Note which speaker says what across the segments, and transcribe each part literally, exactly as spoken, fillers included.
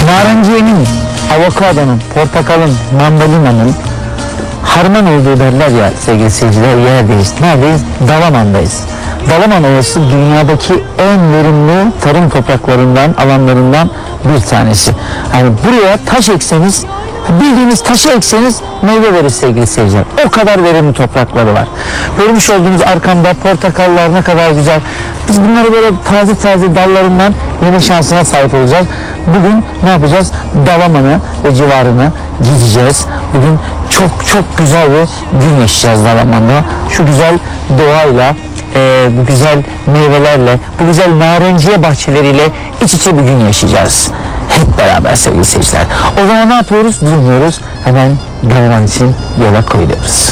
Speaker 1: Narenciyenin, avokadonun, portakalın, mandalinanın harman olduğu derler ya sevgili seyirciler, yerdeyiz. Neredeyiz? Dalaman'dayız. Dalaman Ovası dünyadaki en verimli tarım topraklarından, alanlarından bir tanesi. Yani buraya taş ekseniz, bildiğiniz taşı ekseniz meyve verir sevgili seyirciler. O kadar verimli toprakları var. Görmüş olduğunuz arkamda portakallar ne kadar güzel. Biz bunları böyle taze taze dallarından yeme şansına sahip olacağız. Bugün ne yapacağız? Dalaman'ı ve civarını gideceğiz. Bugün çok çok güzel bir gün yaşayacağız Dalaman'da. Şu güzel doğayla, e, bu güzel meyvelerle, bu güzel narenciye bahçeleriyle iç içe bir gün yaşayacağız. Hep beraber sevgili seyirciler. O zaman ne yapıyoruz? Durmuyoruz. Hemen Dalaman için yola koyuyoruz.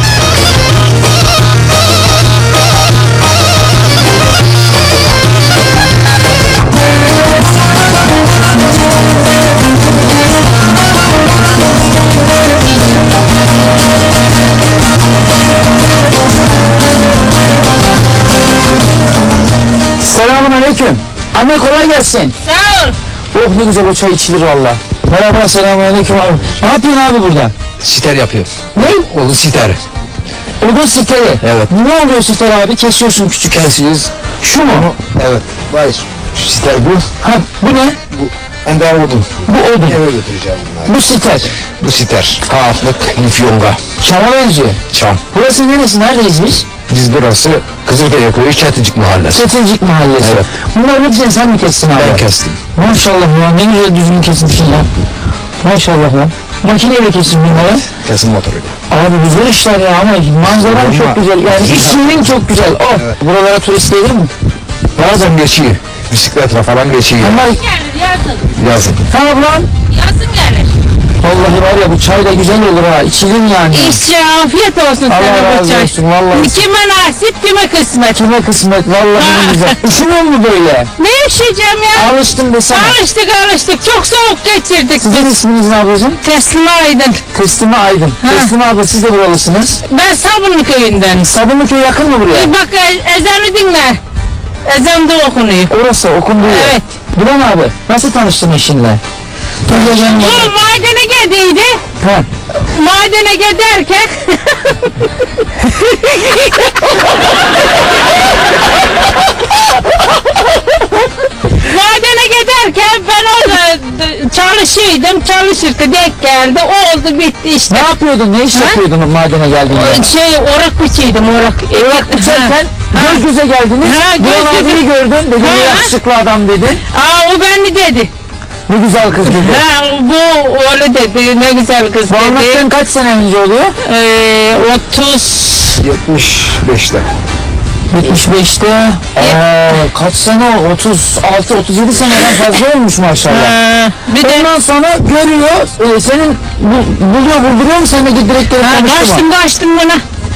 Speaker 1: Selamun aleyküm. Anne kolay gelsin.
Speaker 2: Sağ ol.
Speaker 1: Oh ne güzel o çay içilir valla. Merhaba, selamun aleyküm abi. Ne yapıyorsun abi burada?
Speaker 3: Siter yapıyor.
Speaker 1: Ne?
Speaker 3: Onu siter.
Speaker 1: Odun siteri.
Speaker 3: Evet.
Speaker 1: Ne oluyor siter abi? Kesiyorsun küçük.
Speaker 3: Kesiyoruz.
Speaker 1: Şu mu?
Speaker 3: Evet. Hayır. Şu siter bu.
Speaker 1: Ha bu ne?
Speaker 3: Bu. Ender odun.
Speaker 1: Bu odun.
Speaker 3: Eve götüreceğim bunları.
Speaker 1: Bu siter.
Speaker 3: Bu siter. Haflık, lifyonga.
Speaker 1: Çam'a benziyor.
Speaker 3: Çam.
Speaker 1: Burası neresi? Neredeyiz biz?
Speaker 3: Biz burası Kızılkaya Köyü Çeticik Mahallesi.
Speaker 1: Çetincik Mahallesi.
Speaker 3: Evet.
Speaker 1: Bunları hepsini sen mi kestin abi?
Speaker 3: Ben kestim.
Speaker 1: Maşallah ya, ne güzel düzgün kesmişsin ya. Maşallah ya. Makineyle kestin bunları.
Speaker 3: Kesim motoruyla.
Speaker 1: Abi güzel işler ya, ama manzaran
Speaker 3: Ama-
Speaker 1: çok güzel. Yani işlerin çok güzel. Oh.
Speaker 3: Evet.
Speaker 1: Buralara turist gelir mi?
Speaker 3: Bazen geçiyor. Bisikletle falan geçiyor.
Speaker 1: Onlar...
Speaker 2: Gelir yazın.
Speaker 3: Yazın.
Speaker 1: Tamam lan.
Speaker 2: Yazın gelir.
Speaker 1: Vallahi var ya, bu çay da güzel olur ha. İçilir yani.
Speaker 2: İşçi afiyet olsun
Speaker 1: Allah
Speaker 2: sana bu
Speaker 1: razı
Speaker 2: çay.
Speaker 1: olsun, vallahi.
Speaker 2: Kime nasip kime kısmet.
Speaker 1: Kime kısmet, vallahi ne güzel. Üşümüyor mu böyle?
Speaker 2: Ne yaşayacağım ya?
Speaker 1: Alıştım desene.
Speaker 2: Alıştık alıştık. Çok soğuk geçirdik.
Speaker 1: Sizin isminiz ne ablacığım?
Speaker 2: Teslim aydın.
Speaker 1: Teslime Aydın. Teslime abla, siz de buralısınız.
Speaker 2: Ben Sabunlu köyünden.
Speaker 1: Sabunluköy yakın mı buraya?
Speaker 2: E bak e- ezanı dinle. Ezan da okunuyor.
Speaker 1: Orası okunduğu yer.
Speaker 2: Evet.
Speaker 1: Duran abi, nasıl tanıştın eşinle?
Speaker 2: Bu madene geldiydi.
Speaker 1: Ha.
Speaker 2: Madene giderken madene giderken ben orada çalışıyordum, çalışırken denk geldi, oldu bitti işte.
Speaker 1: Ne yapıyordun, ne iş
Speaker 2: Ha?
Speaker 1: yapıyordun madene geldiğinde?
Speaker 2: Şey orak biçiydim, orak.
Speaker 1: Orak biçerken göz göze geldiniz.
Speaker 2: Ha, göz
Speaker 1: Duran
Speaker 2: göze.
Speaker 1: abiyi gördün, dedi
Speaker 2: Ha.
Speaker 1: ne yakışıklı adam dedi.
Speaker 2: Aa o beni dedi.
Speaker 1: Ne güzel kız dedi.
Speaker 2: Ha bu oğlu dedi, ne güzel kız
Speaker 1: Bu
Speaker 2: dedi.
Speaker 1: anlattığın kaç sene önce oluyor?
Speaker 2: Ee, otuz.
Speaker 3: yetmiş beşte.
Speaker 1: yetmiş beşte. Aa, kaç sene o? otuz altı otuz yedi seneden fazla olmuş maşallah.
Speaker 2: Ha, bir de
Speaker 1: Ondan sonra görüyor, e, senin bu, buluyor, vurduruyor mu, sen de direkt
Speaker 2: ha,
Speaker 1: konuştu mu?
Speaker 2: kaçtım kaçtım buna.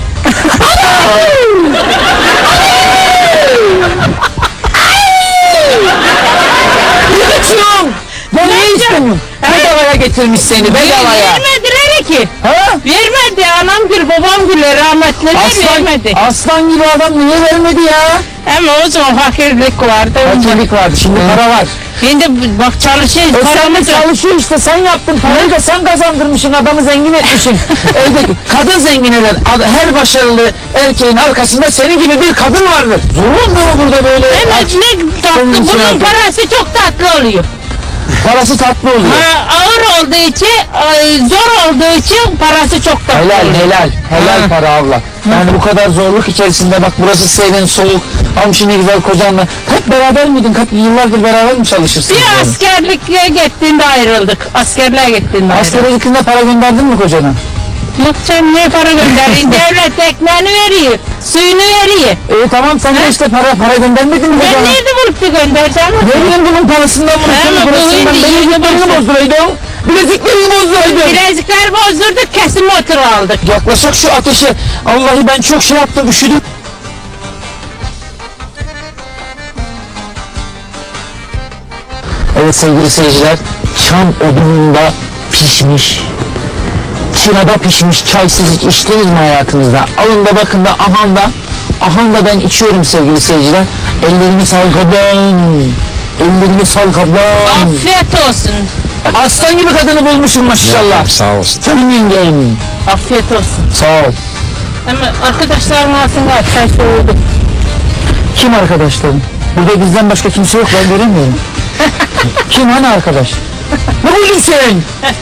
Speaker 1: Ne kaçıyorsun? Ben ne istemiyorum? Bedavaya getirmiş seni, bedavaya.
Speaker 2: Vermediler ki.
Speaker 1: Ha?
Speaker 2: Vermedi. Anam gül, babam gül, rahmetliler
Speaker 1: Aslan,
Speaker 2: vermedi.
Speaker 1: aslan gibi adam niye vermedi ya?
Speaker 2: Ama o zaman fakirlik vardı.
Speaker 1: Fakirlik vardı, şimdi para var.
Speaker 2: Şimdi bak çalışıyoruz,
Speaker 1: E sen de
Speaker 2: paramız yok.
Speaker 1: çalışıyor işte, sen yaptın, parayı da sen kazandırmışsın, adamı zengin etmişsin. Evde kadın zengin eder, Ad- her başarılı erkeğin arkasında senin gibi bir kadın vardır. Zorun mu burada böyle?
Speaker 2: Evet,
Speaker 1: aç-
Speaker 2: ne tatlı,
Speaker 1: Senin için
Speaker 2: bunun
Speaker 1: yaptım.
Speaker 2: parası çok tatlı oluyor.
Speaker 1: Parası tatlı oluyor.
Speaker 2: Ha, ağır olduğu için, ay, zor olduğu için parası çok tatlı
Speaker 1: Helal
Speaker 2: oluyor.
Speaker 1: helal, helal
Speaker 2: Ha.
Speaker 1: para abla. Yani bu kadar zorluk içerisinde bak, burası serin, soğuk, amşin ne güzel kocanla. Hep beraber miydin? Kaç yıllardır beraber mi çalışırsınız?
Speaker 2: Bir
Speaker 1: yani?
Speaker 2: askerlikle gittiğinde ayrıldık. Askerliğe gittiğinde ayrıldık.
Speaker 1: Askere gittiğinde para gönderdin mi kocana?
Speaker 2: Yok sen niye para gönderin? Devlet ekmeğini veriyor, suyunu veriyor.
Speaker 1: E tamam, sen de işte para para göndermedin mi
Speaker 2: Ben
Speaker 1: kocana?
Speaker 2: nerede bulup da göndereceğim?
Speaker 1: Ne bileyim, bunun parasından bunun
Speaker 2: Ama
Speaker 1: senin
Speaker 2: bu
Speaker 1: parasından
Speaker 2: hindi
Speaker 1: bileziklerini
Speaker 2: yirmi
Speaker 1: bozduraydın. Bileziklerini bozduraydın.
Speaker 2: Bilezikler bozdurduk, kesim motoru aldık.
Speaker 1: Yaklaşık şu ateşe. Vallahi ben çok şey yaptım, üşüdüm. Evet sevgili seyirciler, çam odununda pişmiş, çırada pişmiş çaysız hiç içtiniz mi hayatınızda? Alın da bakın da, ahan da, ahan da ben içiyorum sevgili seyirciler. Ellerimi sal kablan, ellerimi sal kablan.
Speaker 2: Afiyet olsun.
Speaker 1: Aslan gibi kadını bulmuşsun maşallah.
Speaker 3: Sağ olsun.
Speaker 1: Canım yengem.
Speaker 2: Afiyet olsun.
Speaker 1: Sağ ol.
Speaker 2: Ama arkadaşlarım aslında çay soğudu.
Speaker 1: Kim arkadaşlarım? Burada bizden başka kimse yok, ben göremiyorum. Kim, hani arkadaş? Ne buldun sen?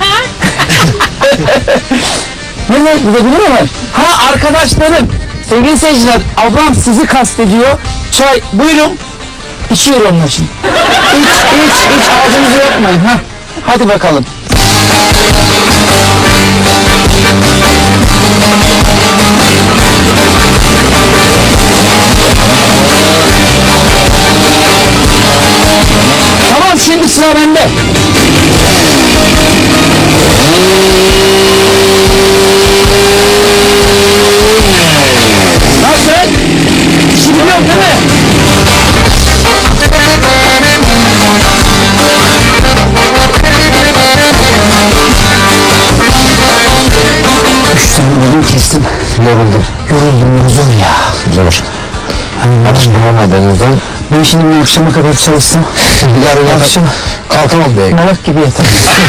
Speaker 1: Ne ne? Burada biri mi var? Ha, arkadaşlarım. Sevgili seyirciler, ablam sizi kastediyor. Çay, buyurun. İçiyor onun için. İç, iç, iç. Ağzınızı yapmayın. Ha. Hadi bakalım. Tamam, şimdi sıra bende. Nasıl? Şimdi yok değil mi? Üç tane odun kestim. Yoruldum. Yoruldum, yoruldum ya.
Speaker 3: Zor. Hiç bulamadınız lan.
Speaker 1: Ben şimdi bir akşama kadar çalışsam,
Speaker 3: Yarın
Speaker 1: akşam
Speaker 3: kalkamam be.
Speaker 1: malak gibi yatarım.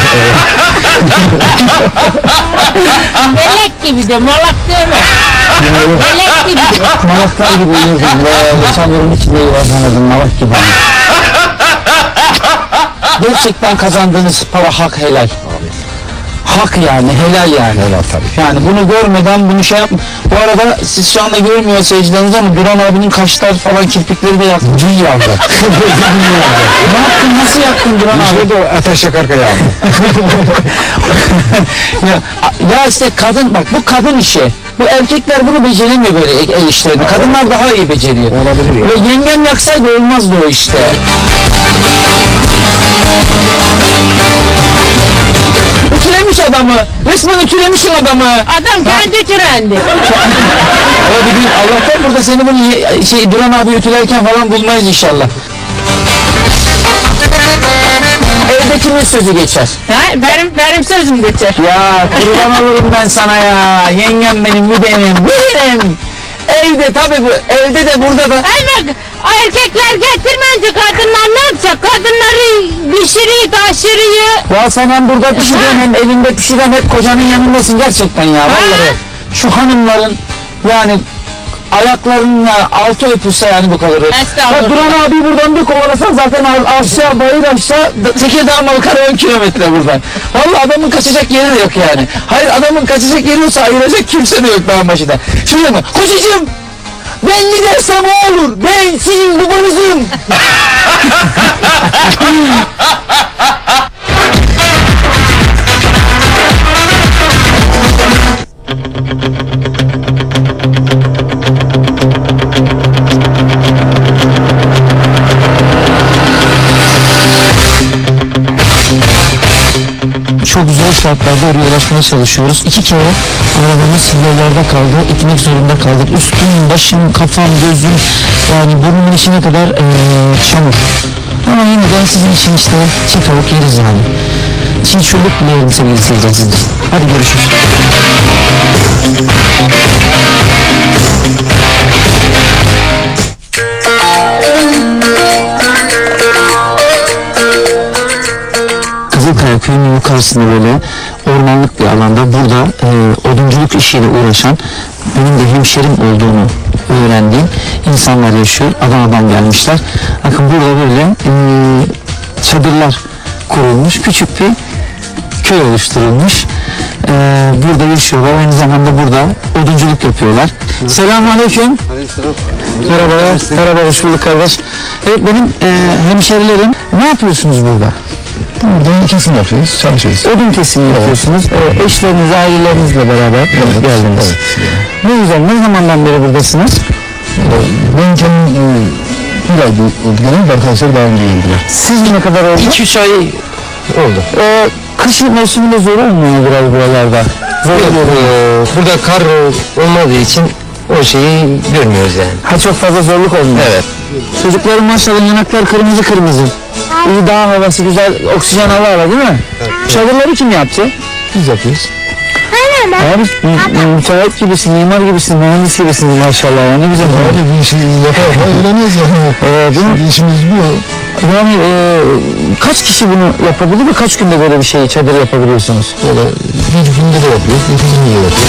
Speaker 2: Melek gibi de malak deme. Melek gibi de.
Speaker 1: Malaklar gibi uyurdum. Böyle çamurun içinde yuvarlanırdım, malak gibi. Gerçekten kazandığınız para hak, helal. Hak yani, helal yani.
Speaker 3: Helal tabii.
Speaker 1: Yani bunu görmeden bunu şey yapma. Bu arada siz şu anda görmüyor seyircileriniz ama Duran abinin kaşlar falan, kirpikleri de yaktı. Cin yandı. Ne yaptın, nasıl yaktın Duran abi?
Speaker 3: Şurada ateş yakarken yandı.
Speaker 1: ya, ya işte kadın, bak bu kadın işi. Bu erkekler bunu beceremiyor böyle el el işlerini. Kadınlar daha iyi beceriyor.
Speaker 3: Olabilir ya.
Speaker 1: Ve yengem yaksaydı olmazdı o işte. Ütülemiş adamı. Resmen ütülemişsin adamı.
Speaker 2: Adam kendi türendi.
Speaker 1: Ama bir gün Allah'tan burada seni bunu ye- şey Duran abi ütülerken falan bulmayız inşallah. Evde kimin sözü geçer?
Speaker 2: Ha, benim benim sözüm geçer.
Speaker 1: Ya kurban olurum ben sana ya. Yengem benim, bu benim, bu benim. Evde tabii bu, evde de burada da.
Speaker 2: Ay bak, erkekler getirmence kadınlar ne yapacak? Kadınları pişiriyor, taşırıyor.
Speaker 1: Ya sen hem burada pişiriyorsun hem evinde pişiren, hep kocanın yanındasın gerçekten ya. Vallahi şu hanımların yani ayaklarına altı öpülse yani bu kadar.
Speaker 2: Estağfurullah.
Speaker 1: Ya Duran abi buradan bir kovalasan zaten a- aşağı bayır aşağı Tekirdağ Malkara on kilometre buradan. Vallahi adamın kaçacak yeri de yok yani. Hayır, adamın kaçacak yeri olsa ayıracak kimse de yok dağın başında. Şuraya mı? Kocacığım! Ben ne dersem o olur. Ben sizin babanızım. Çok zor şartlarda oraya ulaşmaya çalışıyoruz. İki kere arabamız yollarda kaldı. Gitmek zorunda kaldık. Üstüm, başım, kafam, gözüm, yani burnumun içine kadar ee, çamur. Ama yine de sizin için işte çiğ tavuk yeriz yani. Çiğ çürük bile yerim sevgili seyirciler sizin. Hadi görüşürüz. Kızılkaya köyünün yukarısında böyle ormanlık bir alanda burada e, odunculuk işiyle uğraşan, benim de hemşerim olduğunu öğrendiğim insanlar yaşıyor. Adana'dan gelmişler. Bakın burada böyle e, çadırlar kurulmuş. Küçük bir köy oluşturulmuş. E, burada yaşıyorlar. Aynı zamanda burada odunculuk yapıyorlar. Selamünaleyküm. Merhabalar. Merhaba, hoş bulduk kardeş. Evet, benim e, hemşerilerim. Ne yapıyorsunuz burada?
Speaker 3: Burada kesim yapıyoruz, çalışıyoruz.
Speaker 1: Odun kesimi yapıyorsunuz. Ee, eşleriniz, ailelerinizle beraber geldiniz. Ne güzel. Ne zamandan beri buradasınız?
Speaker 3: Ben kendim e, bir ay genel arkadaşlar daha önce geldiler.
Speaker 1: Siz ne kadar oldu?
Speaker 3: iki üç ay oldu.
Speaker 1: Ee, kışın mevsiminde zor olmuyor biraz buralarda. Zor oluyor.
Speaker 4: Burada kar olmadığı için o şeyi görmüyoruz yani.
Speaker 1: Ha, çok fazla zorluk olmuyor.
Speaker 4: Evet.
Speaker 1: Çocukların maşallah yanaklar kırmızı kırmızı. İyi, dağ havası güzel, oksijen hava var değil mi? Evet. Çadırları kim yaptı?
Speaker 3: Biz yapıyoruz.
Speaker 2: öyle.
Speaker 1: Abi mü- müteahhit gibisin, mimar gibisin, mühendis gibisin maşallah ya, ne güzel.
Speaker 3: Abi bir işi yapa yapa öğreniyoruz yani.
Speaker 1: Ee, değil mi?
Speaker 3: Şimdi işimiz bu.
Speaker 1: Yani e, kaç kişi bunu yapabilir ve kaç günde böyle bir şeyi, çadır yapabiliyorsunuz?
Speaker 3: Böyle bir günde de yapıyoruz, iki günde de yapıyoruz.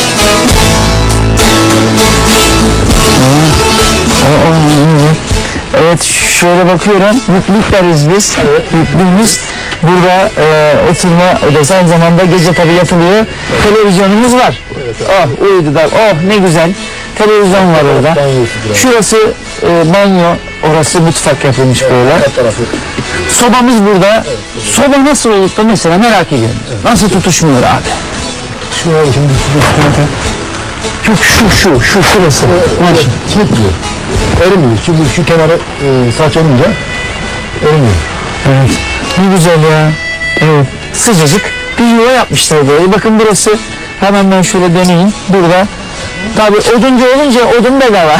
Speaker 1: O- o- Evet, şöyle bakıyorum, mutluluk deriz biz. Mutluyuz. Burada e, oturma odası, aynı zamanda gece tabii yatılıyor. Televizyonumuz var. Oh, uyudular. Oh, ne güzel. Televizyon var orada. Şurası e, banyo, orası mutfak yapılmış böyle.
Speaker 3: Her tarafı.
Speaker 1: Sobamız burada. Soba nasıl olup da mesela merak ediyorum. Nasıl tutuşmuyor abi?
Speaker 3: Şu an şimdi
Speaker 1: Yok, şu, şu, şu, şurası. Var.
Speaker 3: çekmiyor. Erimiyor. Şu, şu kenarı e, saç olunca erimiyor.
Speaker 1: Evet. Ne güzel ya. Evet. Sıcacık bir yuva yapmışlar böyle. Bakın burası. Hemen ben şöyle döneyim. Burada. Tabii oduncu olunca odun bedava.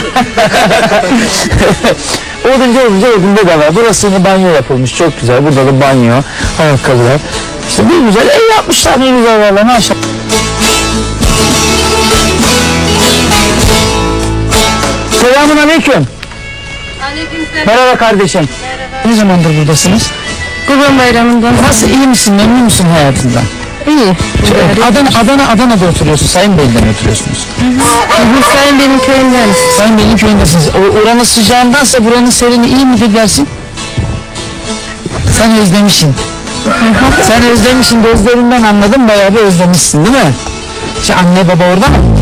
Speaker 1: Oduncu olunca odun bedava. Burası yine banyo yapılmış. Çok güzel. Burada da banyo. Ayakkabılar. İşte bir güzel ev yapmışlar. Ne güzel valla. Maşallah. Selamun aleyküm.
Speaker 2: Aleykümselam.
Speaker 1: Merhaba kardeşim. Ne zamandır buradasınız?
Speaker 2: Kurban bayramından.
Speaker 1: Nasıl, iyi misin, memnun musun hayatından?
Speaker 2: İyi.
Speaker 1: Adana, Adana, Adana'da oturuyorsun, Sayın Bey'den oturuyorsunuz.
Speaker 2: Hüseyin benim köyümden.
Speaker 1: Sayın Bey'in köyündesiniz. O, oranın sıcağındansa buranın serini iyi midir dersin? Sen özlemişsin. Sen özlemişsin, gözlerinden anladım, bayağı bir özlemişsin değil mi? İşte anne baba orada mı?